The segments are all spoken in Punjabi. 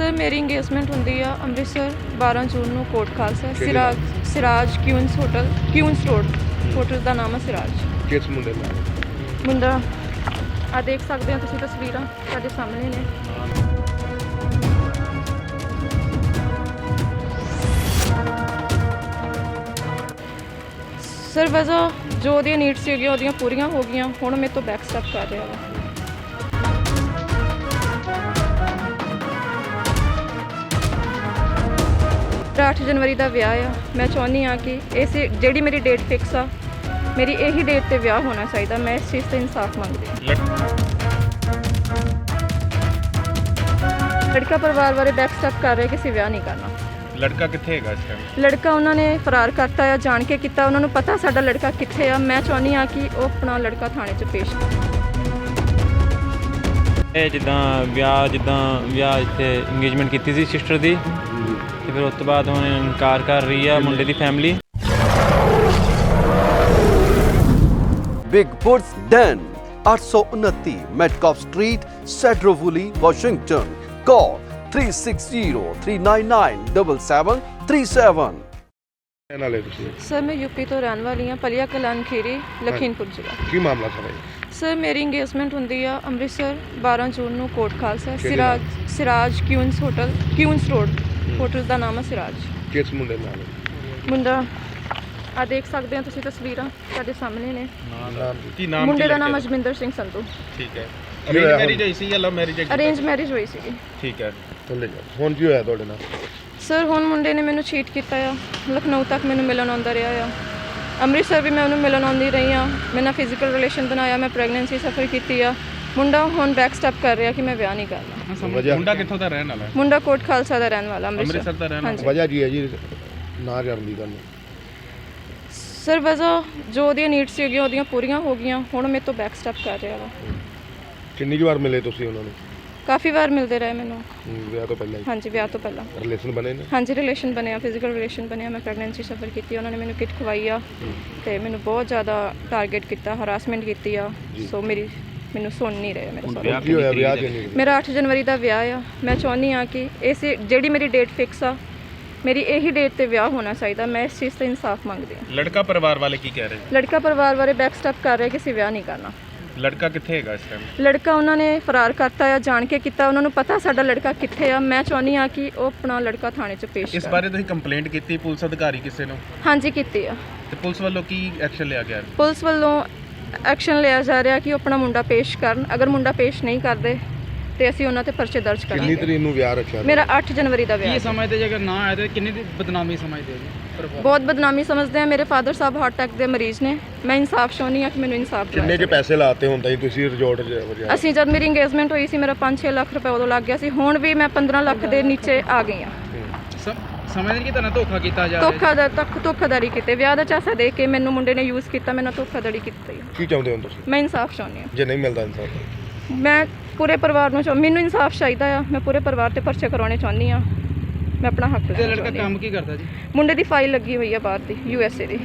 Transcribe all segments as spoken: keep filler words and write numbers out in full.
ਸਰ ਮੇਰੀ ਇੰਗੇਜਮੈਂਟ ਹੁੰਦੀ ਆ ਅੰਮ੍ਰਿਤਸਰ ਬਾਰਾਂ ਜੂਨ ਨੂੰ Kot Khalsa Siraj Siraj Queens hotel Queens road hotel ਦਾ ਨਾਮ ਹੈ ਸਿਰਾਜ। ਕਿਸ ਮੁੰਡੇ ਨਾਲ? ਮੁੰਡਾ ਆ ਦੇਖ ਸਕਦੇ ਹੋ ਤੁਸੀਂ ਤਸਵੀਰਾਂ ਸਾਡੇ ਸਾਹਮਣੇ ਨੇ। ਸਰ ਵਜ਼ਾ ਜੋ ਉਹਦੀਆਂ ਨੀਡਸ ਸੀਗੀਆਂ ਉਹਦੀਆਂ ਪੂਰੀਆਂ ਹੋ ਗਈਆਂ, ਹੁਣ ਮੇਰੇ ਤੋਂ ਬੈਕ ਸਟੈਪ ਕਰ ਰਿਹਾ ਵਾ। ਅੱਠ ਜਨਵਰੀ ਦਾ ਵਿਆਹ ਆ, ਮੈਂ ਚਾਹੁੰਦੀ ਹਾਂ ਕਿ ਇਸ ਜਿਹੜੀ ਮੇਰੀ ਡੇਟ ਫਿਕਸ ਆ ਮੇਰੀ ਇਹੀ ਡੇਟ ਤੇ ਵਿਆਹ ਹੋਣਾ ਚਾਹੀਦਾ। ਮੈਂ ਇਸ ਚੀਜ਼ ਤੇ ਇਨਸਾਫ ਮੰਗਦੀ ਹਾਂ। ਲੜਕਾ ਪਰਿਵਾਰ ਬਾਰੇ ਬੈਕ ਸਟੈਪ ਕਰ ਰਿਹਾ ਕਿ ਅਸੀਂ ਵਿਆਹ ਨਹੀਂ ਕਰਨਾ। ਲੜਕਾ ਕਿੱਥੇ ਹੈਗਾ ਇਸ ਟਾਈਮ? ਲੜਕਾ ਉਹਨਾਂ ਨੇ ਫਰਾਰ ਕਰਤਾ ਆ, ਜਾਣ ਕੇ ਕੀਤਾ। ਉਹਨਾਂ ਨੂੰ ਪਤਾ ਸਾਡਾ ਲੜਕਾ ਕਿੱਥੇ ਆ। ਮੈਂ ਚਾਹੁੰਦੀ ਹਾਂ ਕਿ ਉਹ ਆਪਣਾ ਲੜਕਾ ਥਾਣੇ 'ਚ ਪੇਸ਼ ਕਰੇ। ਇਹ ਜਿੱਦਾਂ ਵਿਆਹ ਜਿੱਦਾਂ ਵਿਆਹ ਇੱਥੇ ਇੰਗੇਜਮੈਂਟ ਕੀਤੀ ਸੀ ਸਿਸਟਰ ਦੀ, ਤੇ ਫਿਰ ਉਸ ਤੋਂ ਬਾਅਦ ਹੁਣ ਇਨਕਾਰ ਕਰ ਰਹੀ ਆ ਮੁੰਡੇ ਦੀ ਫੈਮਿਲੀ। ਬਿਗ ਫੁੱਟਸ ਡੈਨ ਅੱਠ ਸੌ ਉਨੱਤੀ Metcalf street, Sedro Woolley, Washington. Call three six zero three nine nine seven seven three seven। ਇਹ ਨਾਲੇ ਤੁਸੀਂ ਸਰ ਮੈਂ ਯੂਪੀ ਤੋਂ ਰਹਿਣ ਵਾਲੀ ਹਾਂ, ਪਲੀਆ ਕਲਾਨ ਖੀਰੀ, ਲਖੀਮਪੁਰ ਜ਼ਿਲ੍ਹਾ। ਕੀ ਮਾਮਲਾ ਸਰ ਇਹ? ਸਰ ਮੇਰੀ ਇੰਗੇਜਮੈਂਟ ਹੁੰਦੀ ਆ ਅੰਮ੍ਰਿਤਸਰ ਬਾਰਾਂ ਜੂਨ ਨੂੰ Kot Khalsa Siraj Siraj Queens hotel Queens road hotel ਦਾ ਨਾਮ ਹੈ ਸਿਰਾਜ। ਕਿਸ ਮੁੰਡੇ ਨਾਲ? ਮੁੰਡਾ ਆ ਦੇਖ ਸਕਦੇ ਹੋ ਤੁਸੀਂ ਤਸਵੀਰਾਂ ਸਾਡੇ ਸਾਹਮਣੇ ਨੇ। ਨਾਮ ਕੀ ਨਾਮ? ਮੁੰਡੇ ਦਾ ਨਾਮ ਅਜਮਿੰਦਰ ਸਿੰਘ ਸੰਧੂ। ਠੀਕ ਹੈ। ਅਰੇਂਜ ਮੈਰਿਜ ਹੋਈ ਸੀ ਜਾਂ ਲਵ ਮੈਰਿਜ? ਅਰੇਂਜ ਮੈਰਿਜ ਹੋਈ ਸੀਗੀ। ਠੀਕ ਹੈ। ਥੱਲੇ ਜਾ। ਹੁਣ ਕੀ ਹੋਇਆ ਤੁਹਾਡੇ ਨਾਲ? ਸਰ ਹੁਣ ਮੁੰਡੇ ਨੇ ਮੈਨੂੰ ਚੀਟ ਕੀਤਾ ਆ। ਲਖਨਊ ਤੱਕ ਮੈਨੂੰ ਮਿਲਣ ਆਉਂਦਾ ਰਿਹਾ ਆ, ਅੰਮ੍ਰਿਤਸਰ ਵੀ ਮੈਂ ਉਹਨੂੰ ਮਿਲਣ ਆਉਂਦੀ ਰਹੀ ਹਾਂ। ਮੈਂ ਨਾਲ ਫਿਜ਼ੀਕਲ ਰਿਲੇਸ਼ਨ ਬਣਾਇਆ, ਮੈਂ ਪ੍ਰੈਗਨੈਂਸੀ ਸਫਰ ਕੀਤੀ ਆ। ਮੁੰਡਾ ਹੁਣ ਬੈਕ ਸਟੈਪ ਕਰ ਰਿਹਾ ਕਿ ਮੈਂ ਵਿਆਹ ਨਹੀਂ ਕਰਨਾ। ਮੁੰਡਾ ਕਿੱਥੋਂ ਦਾ ਰਹਿਣ ਵਾਲਾ ਹੈ? ਮੁੰਡਾ ਕੋਟ ਖਾਲਸਾ ਦਾ ਰਹਿਣ ਵਾਲਾ, ਅੰਮ੍ਰਿਤਸਰ ਦਾ ਰਹਿਣ ਵਾਲਾ। ਵਜ੍ਹਾ ਕੀ ਹੈ ਜੀ ਨਾ ਕਰਨ ਦੀ ਗੱਲ? ਸਰ ਵਜ਼ਾ ਜੋ ਉਹਦੀਆਂ ਨੀਡਸ ਸੀਗੀਆਂ ਉਹਦੀਆਂ ਪੂਰੀਆਂ ਹੋ ਗਈਆਂ, ਹੁਣ ਮੇਰੇ ਤੋਂ ਬੈਕ ਸਟੈਪ ਕਰ ਰਿਹਾ ਵਾ। ਕਿੰਨੀ ਕੁ ਵਾਰ ਮਿਲੇ ਤੁਸੀਂ ਉਹਨਾਂ ਨੂੰ? ਕਾਫੀ ਵਾਰ ਮਿਲਦੇ ਰਹੇ ਮੈਨੂੰ। ਵਿਆਹ ਤੋਂ ਪਹਿਲਾਂ ਹੀ? ਹਾਂਜੀ ਵਿਆਹ ਤੋਂ ਪਹਿਲਾਂ ਰਿਲੇਸ਼ਨ ਬਣੇ ਨੇ? ਹਾਂਜੀ ਰਿਲੇਸ਼ਨ ਬਣਿਆ, ਫਿਜ਼ੀਕਲ ਰਿਲੇਸ਼ਨ ਬਣਿਆ। ਮੈਂ ਪ੍ਰੈਗਨੈਂਸੀ ਸਫਰ ਕੀਤੀ, ਉਹਨਾਂ ਨੇ ਮੈਨੂੰ ਕਿਟ ਖਵਾਈ ਆ ਤੇ ਮੈਨੂੰ ਬਹੁਤ ਜ਼ਿਆਦਾ ਟਾਰਗੇਟ ਕੀਤਾ, ਹਰਾਸਮੈਂਟ ਕੀਤੀ ਆ। ਸੋ ਮੇਰੀ ਮੈਨੂੰ ਸੁਣ ਨਹੀਂ ਰਹੇ ਮੇਰੇ ਸਾਰੇ। ਕੀ ਹੋਇਆ ਵਿਆਹ ਕਿਉਂ ਨਹੀਂ? ਮੇਰਾ ਅੱਠ ਜਨਵਰੀ ਦਾ ਵਿਆਹ ਆ। ਮੈਂ ਚਾਹੁੰਦੀ ਹਾਂ ਕਿ ਇਸ ਜਿਹੜੀ ਮੇਰੀ ਡੇਟ ਫਿਕਸ ਆ ਮੇਰੀ ਇਹੀ ਡੇਟ ਤੇ ਵਿਆਹ ਹੋਣਾ ਚਾਹੀਦਾ। ਮੈਂ ਇਸ ਚੀਜ਼ ਤੇ ਇਨਸਾਫ ਮੰਗਦੀ ਹਾਂ। ਲੜਕਾ ਪਰਿਵਾਰ ਵਾਲੇ ਕੀ ਕਹਿ ਰਹੇ? ਲੜਕਾ ਪਰਿਵਾਰ ਬਾਰੇ ਬੈਕ ਸਟੈਪ ਕਰ ਰਿਹਾ ਕਿ ਅਸੀਂ ਵਿਆਹ ਨਹੀਂ ਕਰਨਾ। ਲੜਕਾ ਕਿੱਥੇ ਹੈਗਾ ਇਸ ਟਾਈਮ? ਲੜਕਾ ਉਹਨਾਂ ਨੇ ਫਰਾਰ ਕਰਤਾ ਆ, ਜਾਣ ਕੇ ਕੀਤਾ। ਉਹਨਾਂ ਨੂੰ ਪਤਾ ਸਾਡਾ ਲੜਕਾ ਕਿੱਥੇ ਆ। ਮੈਂ ਚਾਹੁੰਦੀ ਹਾਂ ਕਿ ਉਹ ਆਪਣਾ ਲੜਕਾ ਥਾਣੇ 'ਚ ਪੇਸ਼ ਕਰੇ। ਇਸ ਬਾਰੇ ਤੁਸੀਂ ਕੰਪਲੇਂਟ ਕੀਤੀ ਪੁਲਿਸ ਅਧਿਕਾਰੀ ਕਿਸੇ ਨੂੰ? ਹਾਂਜੀ ਕੀਤੀ ਆ। ਤੇ ਪੁਲਿਸ ਵੱਲੋਂ ਕੀ ਐਕਸ਼ਨ ਲਿਆ ਗਿਆ? ਪੁਲਿਸ ਵੱਲੋਂ ਐਕਸ਼ਨ ਲਿਆ ਜਾ ਰਿਹਾ ਕਿ ਉਹ ਆਪਣਾ ਮੁੰਡਾ ਪੇਸ਼ ਕਰਨ। ਅਗਰ ਮੁੰਡਾ ਪੇਸ਼ ਨਹੀਂ ਕਰਦੇ ਤੇ ਅਸੀਂ ਉਹਨਾਂ ਤੇ ਪਰਚੇ ਦਰਜ ਕਿੰਨੀ ਕਰਾਂਗੇ। ਤਰੀਕ ਨੂੰ ਵਿਆਹ ਰੱਖਿਆ? ਮੇਰਾ ਅੱਠ ਜਨਵਰੀ ਦਾ ਵਿਆਹ। ਕੀ ਸਮਝਦੇ ਜੇ ਅਗਰ ਨਾ ਆਏ ਤਾਂ ਕਿੰਨੀ ਦੀ ਬਦਨਾਮੀ ਸਮਝਦੇ ਹੋ? ਬਹੁਤ ਬਦਨਾਮੀ ਸਮਝਦੇ ਆ। ਮੇਰੇ ਫਾਦਰ ਸਾਹਿਬ ਹਾਰਟ ਅਟੈਕ ਦੇ ਮਰੀਜ਼ ਨੇ। ਮੈਂ ਇਨਸਾਫ ਚਾਹੁੰਦੀ ਹਾਂ ਕਿ ਮੈਨੂੰ ਇਨਸਾਫ ਕਿੰਨੇ ਦਿਵਾਇਆ ਕੇ ਪੈਸੇ ਲਾਤੇ ਹੁੰਦਾ ਜੀ ਤੁਸੀਂ ਰਿਜ਼ੋਰਟ 'ਚ ਵਜਾ? ਅਸੀਂ ਜਦ ਮੇਰੀ ਇੰਗੇਜਮੈਂਟ ਹੋਈ ਸੀ ਮੇਰਾ ਪੰਜ ਛੇ ਲੱਖ ਰੁਪਏ ਉਦੋਂ ਲੱਗ ਗਿਆ ਸੀ। ਹੁਣ ਵੀ ਮੈਂ ਪੰਦਰਾਂ ਲੱਖ ਦੇ ਨੀਚੇ ਆ ਗਈ ਹਾਂ। ਸਮਝਦੇ ਕਿ ਤੁਹਾਨੂੰ ਧੋਖਾ ਕੀਤਾ ਜਾ ਰਿਹਾ? ਧੋਖਾ ਦਾ ਤੱਕ ਧੋਖਾਦਾਰੀ ਕੀਤੇ, ਵਿਆਹ ਦਾ ਚਾਸਾ ਦੇ ਕੇ ਮੈਨੂੰ ਮੁੰਡੇ ਨੇ ਯੂਜ਼ ਕੀਤਾ, ਮੈਨੂੰ ਧੋਖਾਧੜੀ ਕੀਤੀ। ਕੀ ਚਾਹੁੰਦੇ ਹੋ ਤੁਸੀਂ? ਮੈਂ ਇਨਸਾਫ ਚਾਹੁੰਦੀ ਹਾਂ। ਜੇ ਨਹੀਂ ਮਿਲਦਾ ਇਨਸਾਫ? ਮੈਂ ਪੂਰੇ ਪਰਿਵਾਰ ਨੂੰ ਚਾਹ ਮੈਨੂੰ ਇਨਸਾਫ ਚਾਹੀਦਾ ਆ। ਮੈਂ ਪੂਰੇ ਪਰਿਵਾਰ ਤੇ ਪਰਚੇ ਕਰਵਾਉਣੇ ਚਾਹੁੰਦੀ ਹਾਂ। ਮੈਂ ਆਪਣਾ ਹੱਕ ਤੇ ਲੜਕਾ ਕੰਮ ਕੀ ਕਰਦਾ ਜੀ? ਮੁੰਡੇ ਦੀ ਫਾਈਲ ਲੱਗੀ ਹੋਈ ਆ ਬਾਹਰ ਦੀ, ਯੂ ਐਸ ਏ ਦੀ।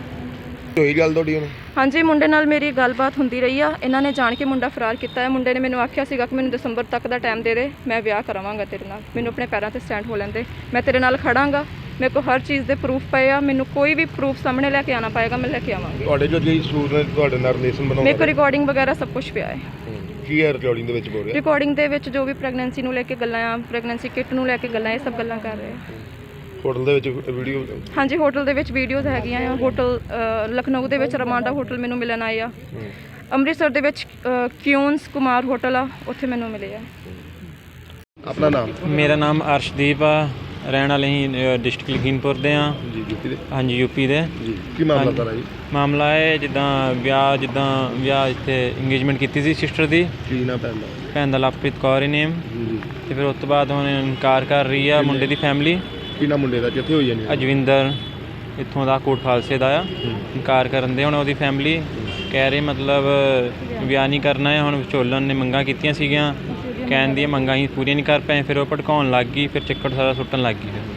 ਹੋਈ ਗੱਲ ਤੁਹਾਡੀ ਹੁਣ? ਹਾਂਜੀ ਮੁੰਡੇ ਨਾਲ ਮੇਰੀ ਗੱਲਬਾਤ ਹੁੰਦੀ ਰਹੀ ਆ। ਇਹਨਾਂ ਨੇ ਜਾਣ ਕੇ ਮੁੰਡਾ ਫਰਾਰ ਕੀਤਾ ਹੈ। ਮੁੰਡੇ ਨੇ ਮੈਨੂੰ ਆਖਿਆ ਸੀਗਾ ਕਿ ਮੈਨੂੰ ਦਸੰਬਰ ਤੱਕ ਦਾ ਟਾਈਮ ਦੇ ਦੇ, ਮੈਂ ਵਿਆਹ ਕਰਾਵਾਂਗਾ ਤੇਰੇ ਨਾਲ। ਮੈਨੂੰ ਆਪਣੇ ਪੈਰਾਂ ਤੇ ਸਟੈਂਡ ਹੋ ਲੈਂਦੇ, ਮੈਂ ਤੇਰੇ ਨਾਲ ਖੜਾਂਗਾ। ਮੇਰੇ ਕੋਲ ਹਰ ਚੀਜ਼ ਦੇ ਪ੍ਰੂਫ ਪਏ ਆ। ਮੈਨੂੰ ਕੋਈ ਵੀ ਪ੍ਰੂਫ ਸਾਹਮਣੇ ਲੈ ਕੇ ਆਉਣਾ ਪਏਗਾ, ਮੈਂ ਲੈ ਕੇ ਆਵਾਂਗੀ। ਤੁਹਾਡੇ ਜੋ ਜੀ ਸੂਰ ਨੇ ਤੁਹਾਡੇ ਨਾਲ ਰਿਲੇਸ਼ਨ ਬਣਾਉਣਾ? ਮੇਰੇ ਕੋਲ ਰਿਕਾਰਡਿੰਗ ਵਗੈਰਾ ਸਭ ਕੁਝ ਪਿਆ ਹੈ। ਕੀ ਹੈ ਰਿਕਾਰਡਿੰਗ ਦੇ ਵਿੱਚ ਬੋਲ ਰਿਹਾ? ਰਿਕਾਰਡਿੰਗ ਦੇ ਵਿੱਚ ਜੋ ਵੀ ਪ੍ਰੈਗਨੈਂਸੀ ਨੂੰ ਲੈ ਕੇ ਗੱਲਾਂ ਆ, ਪ੍ਰੈਗਨੈਂਸੀ ਕਿਟ ਨੂੰ ਲੈ ਕੇ ਗੱਲਾਂ, ਇਹ ਸਭ ਗੱਲਾਂ ਕਰ ਰਹੇ ਆ। ਹੋਟਲ ਦੇ ਵਿੱਚ ਵੀਡੀਓ? ਹਾਂਜੀ ਹੋਟਲ ਦੇ ਵਿੱਚ ਵੀਡੀਓਜ਼ ਹੈਗੀਆਂ ਆ। ਹੋਟਲ ਲਖਨਊ ਦੇ ਵਿੱਚ ਰਮਾਂਡਾ ਹੋਟਲ ਮੈਨੂੰ ਮਿਲਣ ਆਏ ਆ। ਅੰਮ੍ਰਿਤਸਰ ਦੇ ਵਿੱਚ ਕਿਊਨਸ ਕੁਮਾਰ ਹੋਟਲ ਆ, ਉੱਥੇ ਮੈਨੂੰ ਮਿਲੇ ਆ। ਆਪਣਾ ਨਾਮ? ਮੇਰਾ ਨਾਮ ਅਰਸ਼ਦੀਪ ਆ, ਰਹਿਣ ਵਾਲੇ ਹੀ ਡਿਸਟ੍ਰਿਕਟ ਲਖੀਮਪੁਰ ਦੇ ਆ। ਜੀ ਯੂਪੀ ਦੇ? ਹਾਂਜੀ ਯੂਪੀ ਦੇ। ਜੀ ਕੀ ਮਾਮਲਾ ਸਾਰਾ ਜੀ? ਮਾਮਲਾ ਹੈ ਜਿੱਦਾਂ ਵਿਆਹ ਜਿੱਦਾਂ ਵਿਆਹ ਇੱਥੇ ਇੰਗੇਜਮੈਂਟ ਕੀਤੀ ਸੀ ਸਿਸਟਰ ਦੀ। ਕੀ ਨਾ ਪੈਂਦਾ? ਭੈਣ ਦਾ ਲਵਪ੍ਰੀਤ ਕੌਰ ਹੀ ਨੇਮ। ਜੀ। ਤੇ ਫਿਰ ਉਸ ਤੋਂ ਬਾਅਦ ਹੁਣ ਇਨਕਾਰ ਕਰ ਰਹੀ ਆ ਮੁੰਡੇ ਦੀ ਫੈਮਿਲੀ। ਕੀ ਨਾ ਮੁੰਡੇ ਦਾ ਕਿੱਥੇ ਹੋਈ ਜਾਨੀ? ਅਜਵਿੰਦਰ ਇੱਥੋਂ ਦਾ ਕੋਟ ਖਾਲਸੇ ਦਾ ਆ। ਇਨਕਾਰ ਕਰਨ ਦੇ ਹੁਣ ਉਹਦੀ ਫੈਮਿਲੀ ਕਹਿ ਰਹੀ ਮਤਲਬ ਵਿਆਹ ਨਹੀਂ ਕਰਨਾ ਹੈ। ਹੁਣ ਵਿਚੋਲਨ ਨੇ ਮੰਗਾਂ ਕੀਤੀਆਂ ਸੀਗੀਆਂ, ਕਹਿਣ ਦੀਆਂ ਮੰਗਾਂ ਹੀ ਪੂਰੀਆਂ ਨਹੀਂ ਕਰ ਪਏ। ਫਿਰ ਉਹ ਭੜਕਾਉਣ ਲੱਗ ਗਈ, ਫਿਰ ਚੱਕਰ ਸਾਰਾ ਸੁੱਟਣ ਲੱਗ ਗਈ। ਫਿਰ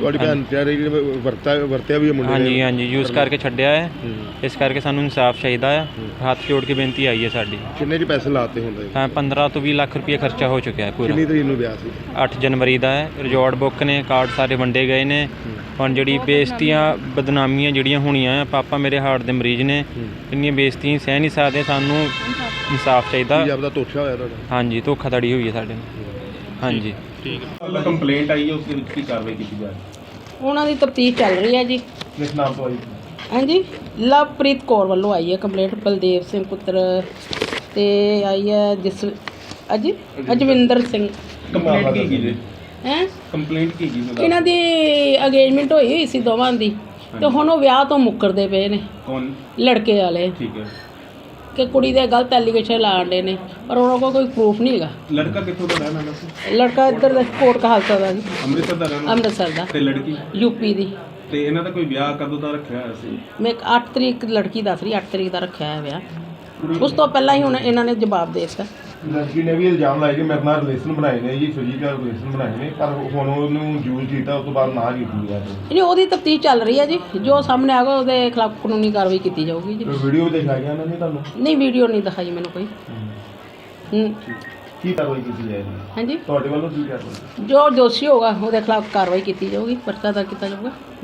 ਤੁਹਾਡੀ ਭੈਣ ਤੇ ਜਿਹੜੇ ਵਰਤਾ ਵਰਤਿਆ ਵੀ ਹੈ ਮੁੰਡੇ ਹਾਂਜੀ ਨੇ ਹਾਂਜੀ ਯੂਜ਼ ਕਰਕੇ ਛੱਡਿਆ ਹੈ। ਇਸ ਕਰਕੇ ਸਾਨੂੰ ਇਨਸਾਫ ਚਾਹੀਦਾ ਆ। ਹੱਥ ਜੋੜ ਕੇ ਬੇਨਤੀ ਆਈ ਹੈ ਸਾਡੀ। ਕਿੰਨੇ ਜੀ ਪੈਸੇ ਲਾਤੇ ਹੁੰਦੇ ਤਾਂ ਪੰਦਰਾਂ ਤੋਂ ਵੀਹ ਲੱਖ ਰੁਪਏ ਖਰਚਾ ਹੋ ਚੁੱਕਿਆ ਹੈ ਪੂਰਾ। ਕਿੰਨੀ ਤਰੀਕ ਨੂੰ ਵਿਆਹ ਸੀ? ਅੱਠ ਜਨਵਰੀ ਦਾ ਹੈ। ਰਿਜ਼ੋਰਟ ਬੁੱਕ ਨੇ, ਕਾਰਡ ਸਾਰੇ ਵੰਡੇ ਗਏ ਨੇ। ਹੁਣ ਜਿਹੜੀ ਬੇਇੱਜ਼ਤੀਆਂ ਬਦਨਾਮੀਆਂ ਜਿਹੜੀਆਂ ਹੋਣੀਆਂ ਆ, ਪਾਪਾ ਮੇਰੇ ਹਾਰਟ ਦੇ ਮਰੀਜ਼ ਨੇ, ਇੰਨੀਆਂ ਬੇਇੱਜ਼ਤੀਆਂ ਸਹਿ ਨਹੀਂ ਸਕਦੇ। ਸਾਨੂੰ ਇਨਸਾਫ ਚਾਹੀਦਾ। ਕੀ ਆਪਦਾ ਧੋਖਾ ਹੋਇਆ ਤੁਹਾਡਾ? ਹਾਂਜੀ ਧੋਖਾਧੜੀ ਹੋਈ ਹੈ ਸਾਡੇ ਨਾਲ। ਹਾਂਜੀ ਕੰਪਲੇਂਟ ਆਈ ਹੈ, ਉਸ ਦੇ ਵਿੱਚ ਕੀ ਕਾਰਵਾਈ ਕੀਤੀ ਜਾ ਰਹੀ ਉਹਨਾਂ ਦੀ ਤਫਤੀਸ਼ ਚੱਲ ਰਹੀ ਹੈ ਜੀ। ਕਿਸ ਨਾਮ ਤੋਂ ਆਈ? ਹਾਂਜੀ ਲਵਪ੍ਰੀਤ ਕੌਰ ਵੱਲੋਂ ਆਈ ਹੈ ਕੰਪਲੇਂਟ। ਬਲਦੇਵ ਸਿੰਘ ਪੁੱਤਰ ਤੇ ਆਈ ਹੈ ਜਿਸ ਅਜੀ ਅਜਵਿੰਦਰ ਸਿੰਘ। ਕੰਪਲੇਂਟ ਕੀ ਕੀ ਹੈ ਕੰਪਲੇਂਟ ਕੀ ਕੀ ਇਹਨਾਂ ਦੀ ਅਗੇਜਮੈਂਟ ਹੋਈ ਹੋਈ ਸੀ ਦੋਵਾਂ ਦੀ, ਤੇ ਹੁਣ ਉਹ ਵਿਆਹ ਤੋਂ ਮੁੱਕਰਦੇ ਪਏ ਨੇ ਕੌਣ? ਲੜਕੇ ਵਾਲੇ, ਠੀਕ ਹੈ। ਕਿ ਕੁੜੀ ਦੇ ਗਲਤ ਐਲੀਗੇਸ਼ਨ ਲਾਉਂਦੇ ਨੇ, ਪਰ ਉਹਨਾਂ ਕੋਲ ਕੋਈ ਪ੍ਰੂਫ ਨਹੀਂ ਹੈਗਾ। ਲੜਕਾ ਕਿੱਥੋਂ ਦਾ ਰਹਿਣ ਵਾਲਾ ਸੀ? ਲੜਕਾ ਇੱਧਰ ਦਾ ਕੋਟ ਕਹਾਲਸਾ ਦਾ ਜੀ, ਅੰਮ੍ਰਿਤਸਰ ਦਾ ਰਹਿਣ ਵਾਲਾ ਅੰਮ੍ਰਿਤਸਰ ਦਾ। ਤੇ ਲੜਕੀ? ਯੂਪੀ ਦੀ। ਤੇ ਇਹਨਾਂ ਦਾ ਕੋਈ ਵਿਆਹ ਕਦੋਂ ਦਾ ਰੱਖਿਆ ਹੋਇਆ ਸੀ? ਮੈਂ ਅੱਠ ਤਰੀਕ ਲੜਕੀ ਦੱਸ ਰਹੀ, ਅੱਠ ਤਰੀਕ ਦਾ ਰੱਖਿਆ ਹੈ ਵਿਆਹ। ਉਸ ਤੋਂ ਪਹਿਲਾਂ ਹੀ ਹੁਣ ਇਹਨਾਂ ਨੇ ਜਵਾਬ ਦੇ ਦਿੱਤਾ। ਲੜਕੀ ਨੇ ਵੀ ਇਲਜ਼ਾਮ ਲਾਇਆ ਕਿ ਮੇਰੇ ਨਾਲ ਰਿਲੇਸ਼ਨ ਬਣਾਏ ਨੇ ਜੀ, ਫਿਜ਼ੀਕਲ ਰਿਲੇਸ਼ਨ ਬਣਾਏ ਨੇ, ਪਰ ਹੁਣ ਉਹਨੂੰ ਯੂਜ਼ ਕੀਤਾ, ਉਸ ਤੋਂ ਬਾਅਦ ਨਾ ਕੀਤੀ ਹੈ। ਨਹੀਂ, ਉਹਦੀ ਤਫਤੀਸ਼ ਚੱਲ ਰਹੀ ਹੈ ਜੀ। ਜੋ ਸਾਹਮਣੇ ਆਗਾ ਉਹਦੇ ਖਿਲਾਫ ਕਾਨੂੰਨੀ ਕਾਰਵਾਈ ਕੀਤੀ ਜਾਊਗੀ ਜੀ। ਵੀਡੀਓ ਵੀ ਦਿਖਾਈਆਂ ਉਹਨਾਂ ਨੇ ਤੁਹਾਨੂੰ? ਨਹੀਂ, ਵੀਡੀਓ ਨਹੀਂ ਦਿਖਾਈ ਮੈਨੂੰ ਕੋਈ। ਹੂੰ ਕੀ ਕਾਰਵਾਈ ਕੀਤੀ ਜਾਏਗੀ ਹਾਂਜੀ, ਤੁਹਾਡੇ ਵੱਲੋਂ? ਕੀ ਕਾਰਵਾਈ? ਜੋ ਦੋਸ਼ੀ ਹੋਗਾ ਉਹਦੇ ਖਿਲਾਫ ਕਾਰਵਾਈ ਕੀਤੀ ਜਾਊਗੀ, ਪਰਚਾ ਦਰਜ ਕੀਤਾ ਜਾਊਗਾ।